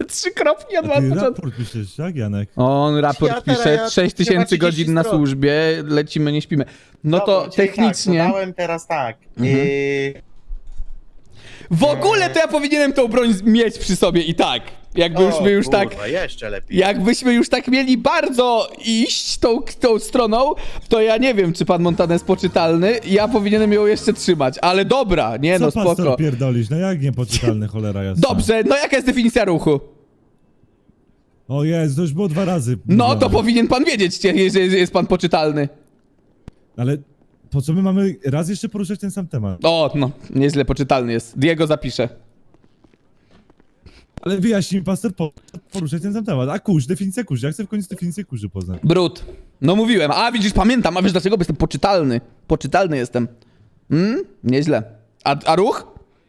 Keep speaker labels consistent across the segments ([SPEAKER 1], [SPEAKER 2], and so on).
[SPEAKER 1] 3 od
[SPEAKER 2] A ty
[SPEAKER 1] początku.
[SPEAKER 2] raport piszesz, tak, Janek?
[SPEAKER 1] On raport
[SPEAKER 3] Ja
[SPEAKER 1] pisze,
[SPEAKER 3] teraz
[SPEAKER 1] 6000
[SPEAKER 3] 30
[SPEAKER 1] godzin na
[SPEAKER 3] stron.
[SPEAKER 1] służbie, lecimy, nie śpimy. No
[SPEAKER 3] Dobra,
[SPEAKER 1] to
[SPEAKER 3] czyli
[SPEAKER 1] technicznie...
[SPEAKER 3] Tak, dodałem teraz tak.
[SPEAKER 1] W ogóle to ja powinienem tą broń mieć przy sobie i tak. Jakbyśmy już tak...
[SPEAKER 3] Kurwa, jeszcze lepiej.
[SPEAKER 1] Jakbyśmy już tak mieli bardzo iść tą stroną, to ja nie wiem, czy pan Montana jest poczytalny. Ja powinienem ją jeszcze trzymać, ale dobra, nie
[SPEAKER 2] Co
[SPEAKER 1] no, spoko.
[SPEAKER 2] pastor pierdolisz? No jak niepoczytalny, cholera jasna.
[SPEAKER 1] Dobrze, no jaka jest definicja ruchu?
[SPEAKER 2] O Jezu, to już było 2 razy.
[SPEAKER 1] No to
[SPEAKER 2] mówione.
[SPEAKER 1] powinien pan wiedzieć, że jest pan poczytalny.
[SPEAKER 2] Ale po co my mamy raz jeszcze poruszać ten sam temat?
[SPEAKER 1] O, no, nieźle poczytalny jest. Diego zapisze.
[SPEAKER 2] Ale wyjaśnij mi, pastor, poruszać ten sam temat. A kurz, definicja kurz. Ja chcę w końcu definicję kurzy poznać.
[SPEAKER 1] Brud. No mówiłem, a widzisz, pamiętam, a wiesz dlaczego? Bo jestem poczytalny. Poczytalny jestem. Nieźle. A ruch?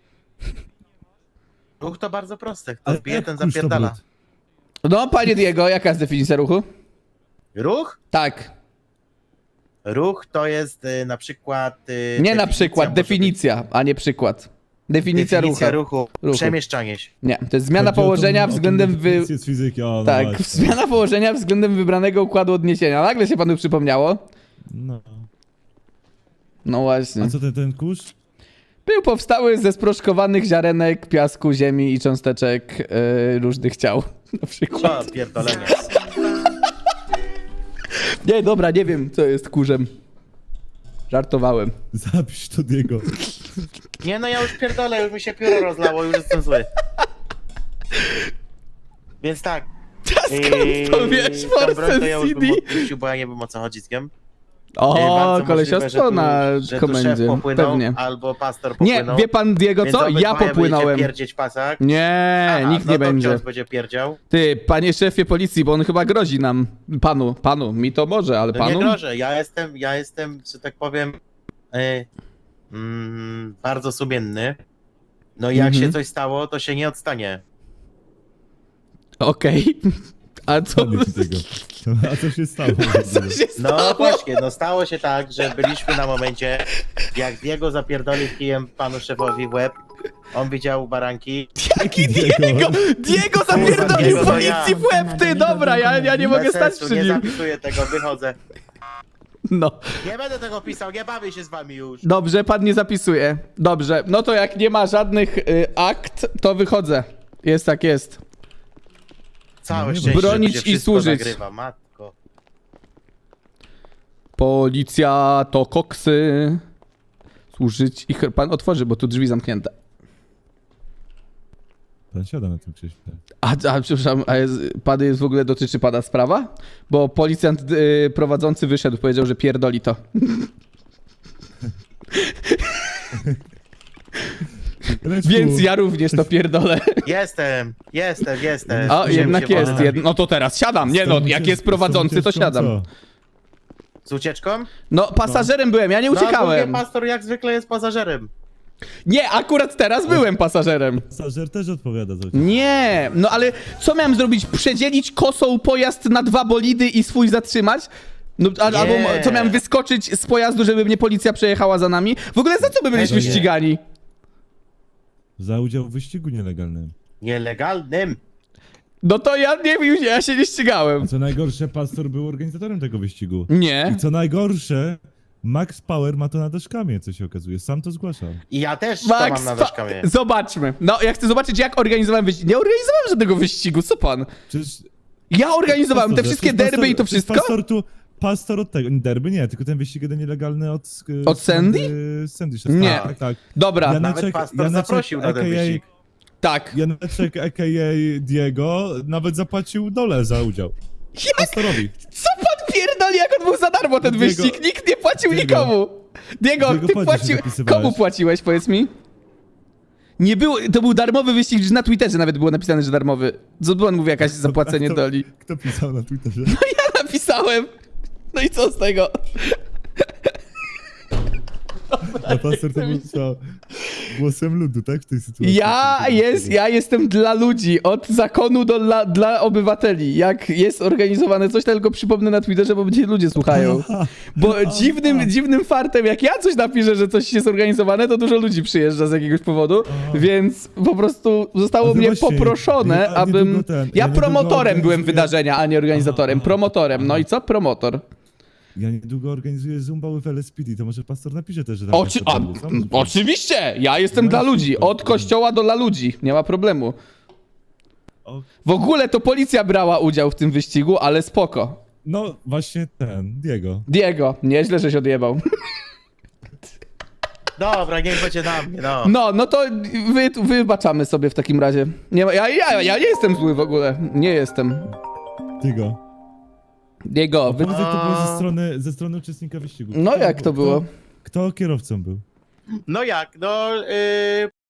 [SPEAKER 3] Ruch to bardzo proste. Kto
[SPEAKER 2] Ale
[SPEAKER 3] wbije,
[SPEAKER 2] jak
[SPEAKER 3] ten
[SPEAKER 2] kurz to
[SPEAKER 3] zapierdala.
[SPEAKER 2] brud?
[SPEAKER 1] No, panie Diego, jaka jest definicja ruchu?
[SPEAKER 3] Ruch?
[SPEAKER 1] Tak.
[SPEAKER 3] Ruch to jest na przykład...
[SPEAKER 1] Nie na
[SPEAKER 3] definicja
[SPEAKER 1] przykład,
[SPEAKER 3] może
[SPEAKER 1] definicja, a nie przykład.
[SPEAKER 3] być-
[SPEAKER 1] Definicja
[SPEAKER 3] ruchu.
[SPEAKER 1] Ruchu.
[SPEAKER 3] Przemieszczanie się.
[SPEAKER 1] Nie, to jest zmiana
[SPEAKER 2] Chodzi o
[SPEAKER 1] położenia
[SPEAKER 2] tą
[SPEAKER 1] względem
[SPEAKER 2] definicję z fizyki, o, no
[SPEAKER 1] Tak,
[SPEAKER 2] właśnie.
[SPEAKER 1] zmiana położenia względem wybranego układu odniesienia. Nagle się panu przypomniało.
[SPEAKER 2] No.
[SPEAKER 1] No właśnie.
[SPEAKER 2] A co ten kurz?
[SPEAKER 1] Był powstały ze sproszkowanych ziarenek, piasku, ziemi i cząsteczek różnych ciał. Na przykład.
[SPEAKER 3] Co pierdolenie.
[SPEAKER 1] Nie, dobra, nie wiem, co jest kurzem. Żartowałem.
[SPEAKER 2] Zapisz to Diego.
[SPEAKER 3] Nie no, ja już pierdolę, już mi się pióro rozlało, już jestem zły. Więc tak.
[SPEAKER 1] Skąd to wiesz,
[SPEAKER 3] tą broń to ja już bym
[SPEAKER 1] CD?
[SPEAKER 3] odpuścił, bo ja nie wiem o co chodzi z kim.
[SPEAKER 1] O,
[SPEAKER 3] Bardzo
[SPEAKER 1] kolesiostwo
[SPEAKER 3] możliwe,
[SPEAKER 1] na
[SPEAKER 3] że tu
[SPEAKER 1] komendzie.
[SPEAKER 3] szef popłynął,
[SPEAKER 1] Pewnie.
[SPEAKER 3] albo pastor
[SPEAKER 1] Nie,
[SPEAKER 3] popłynął.
[SPEAKER 1] wie pan Diego
[SPEAKER 3] Więc
[SPEAKER 1] co?
[SPEAKER 3] obydwoje
[SPEAKER 1] Ja popłynąłem.
[SPEAKER 3] będziecie pierdzieć pasak.
[SPEAKER 1] Nie, nikt nie
[SPEAKER 3] to
[SPEAKER 1] będzie.
[SPEAKER 3] ksiądz będzie pierdział.
[SPEAKER 1] Ty, panie szefie policji, bo on chyba grozi nam. Panu, mi to może, ale
[SPEAKER 3] No nie
[SPEAKER 1] panu?
[SPEAKER 3] grożę, ja jestem, że tak powiem, bardzo sumienny. No i jak się coś stało, to się nie odstanie.
[SPEAKER 1] Okej. A co?
[SPEAKER 2] Koniec tego. A co się stało?
[SPEAKER 1] Co się stało?
[SPEAKER 3] No właśnie, no stało się tak, że byliśmy na momencie, jak Diego zapierdolił kijem panu szefowi w łeb. On widział baranki.
[SPEAKER 1] Jaki Diego? Diego zapierdolił
[SPEAKER 3] Diego, to
[SPEAKER 1] policji
[SPEAKER 3] ja.
[SPEAKER 1] w łeb, ty, dobra, ja nie mogę
[SPEAKER 3] Bez
[SPEAKER 1] stać
[SPEAKER 3] sensu,
[SPEAKER 1] przy
[SPEAKER 3] nie
[SPEAKER 1] nim.
[SPEAKER 3] zapisuję tego, wychodzę.
[SPEAKER 1] No,
[SPEAKER 3] Nie będę tego pisał, nie bawię się z wami już.
[SPEAKER 1] dobrze, pan nie zapisuje. Dobrze, no to jak nie ma żadnych akt, to wychodzę. Jest tak jest.
[SPEAKER 3] Całe
[SPEAKER 2] No nie
[SPEAKER 3] szczęście,
[SPEAKER 1] bronić
[SPEAKER 3] że
[SPEAKER 1] i
[SPEAKER 3] wszystko
[SPEAKER 1] służyć.
[SPEAKER 3] Nagrywa, matko.
[SPEAKER 1] Policja to koksy. Służyć i... Pan otworzy, bo tu drzwi zamknięte.
[SPEAKER 2] Pan siada na tym krześle.
[SPEAKER 1] A przepraszam, pan jest w ogóle dotyczy pana sprawa? Bo policjant prowadzący wyszedł, powiedział, że pierdoli to.
[SPEAKER 2] Ręczku,
[SPEAKER 1] Więc ja również to pierdolę.
[SPEAKER 3] Jestem.
[SPEAKER 1] A,
[SPEAKER 3] Musiałem
[SPEAKER 1] jednak
[SPEAKER 3] się
[SPEAKER 1] jest.
[SPEAKER 3] wolać.
[SPEAKER 1] No to teraz siadam. Nie
[SPEAKER 2] z tą
[SPEAKER 1] no, jak
[SPEAKER 2] ucieczką-
[SPEAKER 1] jest prowadzący, to
[SPEAKER 2] z tą ucieczką
[SPEAKER 1] siadam.
[SPEAKER 2] co?
[SPEAKER 3] Z ucieczką?
[SPEAKER 1] No, pasażerem byłem, ja nie
[SPEAKER 3] No, a
[SPEAKER 1] uciekałem.
[SPEAKER 3] drugi pastor jak zwykle jest pasażerem.
[SPEAKER 1] Nie, akurat teraz byłem pasażerem.
[SPEAKER 2] Pasażer też odpowiada za
[SPEAKER 1] Nie, no ale co miałem zrobić? Przedzielić kosą pojazd na 2 bolidy i swój zatrzymać? No, albo co miałem wyskoczyć z pojazdu, żeby mnie policja przejechała za nami? W ogóle za co my byliśmy
[SPEAKER 3] Nie.
[SPEAKER 1] ścigani?
[SPEAKER 2] Za udział w wyścigu nielegalnym.
[SPEAKER 3] Nielegalnym.
[SPEAKER 1] No to ja nie wiem, ja się nie ścigałem.
[SPEAKER 2] A co najgorsze, pastor był organizatorem tego wyścigu.
[SPEAKER 1] Nie.
[SPEAKER 2] I co najgorsze, Max Power ma to na daszkamie, co się okazuje. Sam to zgłaszał.
[SPEAKER 3] I ja też to
[SPEAKER 1] Max,
[SPEAKER 3] mam na daszkamie.
[SPEAKER 1] zobaczmy. No, ja chcę zobaczyć, jak organizowałem wyścig. Nie organizowałem żadnego wyścigu, co pan?
[SPEAKER 2] Przecież...
[SPEAKER 1] Ja organizowałem te
[SPEAKER 2] pastorze,
[SPEAKER 1] wszystkie
[SPEAKER 2] przecież
[SPEAKER 1] derby i to
[SPEAKER 2] przecież
[SPEAKER 1] wszystko?
[SPEAKER 2] Pastor od tego. Derby nie, tylko ten wyścig jeden nielegalny od...
[SPEAKER 1] Od Sandy?
[SPEAKER 2] Sandy.
[SPEAKER 1] Nie.
[SPEAKER 2] Tak, tak.
[SPEAKER 1] Dobra,
[SPEAKER 3] Nawet pastor zaprosił na ten wyścig.
[SPEAKER 1] tak.
[SPEAKER 2] Janeczek, a.k.a. Diego, nawet zapłacił dole za udział. Pastorowi.
[SPEAKER 1] Co pan pierdoli, jak on był za darmo ten
[SPEAKER 2] Diego-
[SPEAKER 1] wyścig? Nikt nie płacił
[SPEAKER 2] Diego-
[SPEAKER 1] nikomu. Diego,
[SPEAKER 2] Diego
[SPEAKER 1] ty
[SPEAKER 2] płacisz,
[SPEAKER 1] płaciłeś.
[SPEAKER 2] zapisywałeś.
[SPEAKER 1] Komu płaciłeś, powiedz mi? Nie było, to był darmowy wyścig, że na Twitterze nawet było napisane, że darmowy. Co pan mówi, jakaś zapłacenie
[SPEAKER 2] Kto-
[SPEAKER 1] doli?
[SPEAKER 2] Kto pisał na Twitterze?
[SPEAKER 1] Ja napisałem. No i co z tego?
[SPEAKER 2] A pastor to był co? głosem ludu, tak? W tej sytuacji.
[SPEAKER 1] Ja jestem dla ludzi, od zakonu dla obywateli. Jak jest organizowane coś, to tylko przypomnę na Twitterze, bo będzie ludzie słuchają. Bo dziwnym fartem, jak ja coś napiszę, że coś jest zorganizowane, to dużo ludzi przyjeżdża z jakiegoś powodu, więc po prostu zostało mnie
[SPEAKER 2] właśnie,
[SPEAKER 1] poproszone, abym... Ja
[SPEAKER 2] niedługo
[SPEAKER 1] promotorem byłem
[SPEAKER 2] organizuję-
[SPEAKER 1] wydarzenia, a nie organizatorem. Promotorem. No i co? Promotor.
[SPEAKER 2] Ja niedługo organizuję Zumba with LSPD, to może pastor napisze też, że tam
[SPEAKER 1] Oczywiście! Ja jestem dla ludzi. Od kościoła do dla ludzi. Nie ma problemu.
[SPEAKER 2] O,
[SPEAKER 1] W ogóle to policja brała udział w tym wyścigu, ale spoko.
[SPEAKER 2] no właśnie Diego.
[SPEAKER 1] Diego, nieźle, że się odjebał.
[SPEAKER 3] Dobra, niech będzie na mnie, no.
[SPEAKER 1] No to wybaczamy sobie w takim razie. Nie, ja nie jestem zły w ogóle. Nie jestem.
[SPEAKER 2] Diego.
[SPEAKER 1] Diego,
[SPEAKER 2] Powiedz, jak to było ze strony uczestnika wyścigu.
[SPEAKER 1] No jak to było?
[SPEAKER 2] Kto kierowcą był?
[SPEAKER 3] No jak, no